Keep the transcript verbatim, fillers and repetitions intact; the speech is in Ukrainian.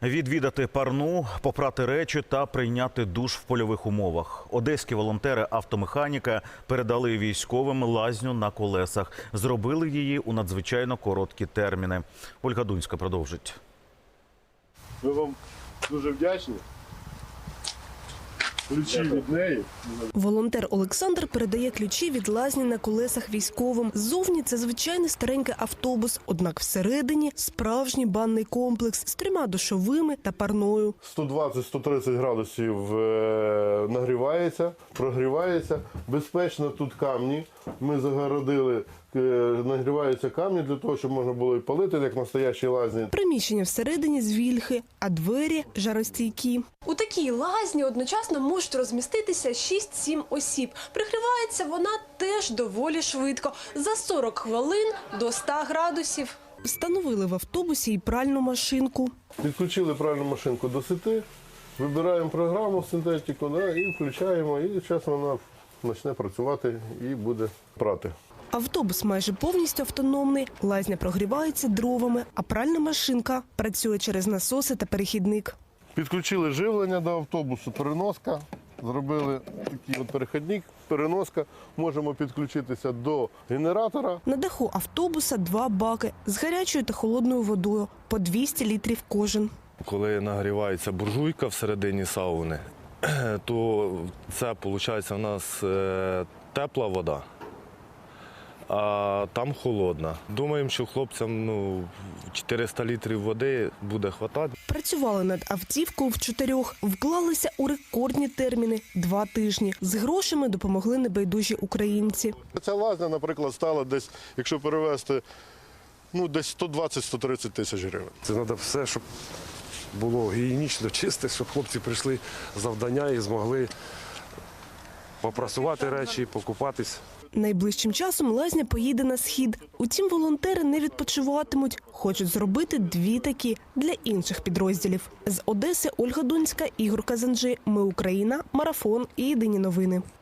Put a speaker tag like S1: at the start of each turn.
S1: Відвідати парну, попрати речі та прийняти душ в польових умовах. Одеські волонтери-автомеханіка передали військовим лазню на колесах. Зробили її у надзвичайно короткі терміни. Ольга Дунська продовжить.
S2: Ми вам дуже вдячні. Ключі від неї.
S3: Волонтер Олександр передає ключі від лазні на колесах військовим. Ззовні це звичайний старенький автобус, однак всередині справжній банний комплекс з трьома душовими та парною.
S2: сто двадцять - сто тридцять градусів е, нагрівається, прогрівається. Безпечно тут камні. Ми загородили, е, нагріваються камні для того, щоб можна було і палити, як настоящі лазні.
S3: Приміщення всередині з вільхи, а двері жаростійкі. У такій лазні одночасно можуть розміститися шість-сім осіб. Пригрівається вона теж доволі швидко – за сорок хвилин до ста градусів. Встановили в автобусі і пральну машинку.
S2: Підключили пральну машинку до сети, вибираємо програму синтетику, да, і включаємо, і зараз вона почне працювати і буде прати.
S3: Автобус майже повністю автономний, лазня прогрівається дровами, а пральна машинка працює через насоси та перехідник.
S2: Підключили живлення до автобусу, переноска, зробили такий от перехідник, переноска. Можемо підключитися до генератора.
S3: На даху автобуса два баки з гарячою та холодною водою, по двісті літрів кожен.
S4: Коли нагрівається буржуйка всередині сауни, то це, виходить, у нас е, тепла вода, а там холодна. Думаємо, що хлопцям ну, чотириста літрів води буде вистачати.
S3: Працювали над автівкою в чотирьох, вклалися у рекордні терміни – два тижні. З грошами допомогли небайдужі українці.
S2: Ця лазня, наприклад, стала десь, якщо перевести, ну, десь сто двадцять - сто тридцять тисяч гривень.
S5: Це треба все, щоб було гігієнічно, чисте, щоб хлопці прийшли з завдання і змогли попрасувати речі, покупатись.
S3: Найближчим часом лазня поїде на схід. Утім, волонтери не відпочиватимуть. Хочуть зробити дві такі для інших підрозділів. З Одеси Ольга Дунська, Ігор Казанжи. Ми Україна. Марафон і єдині новини.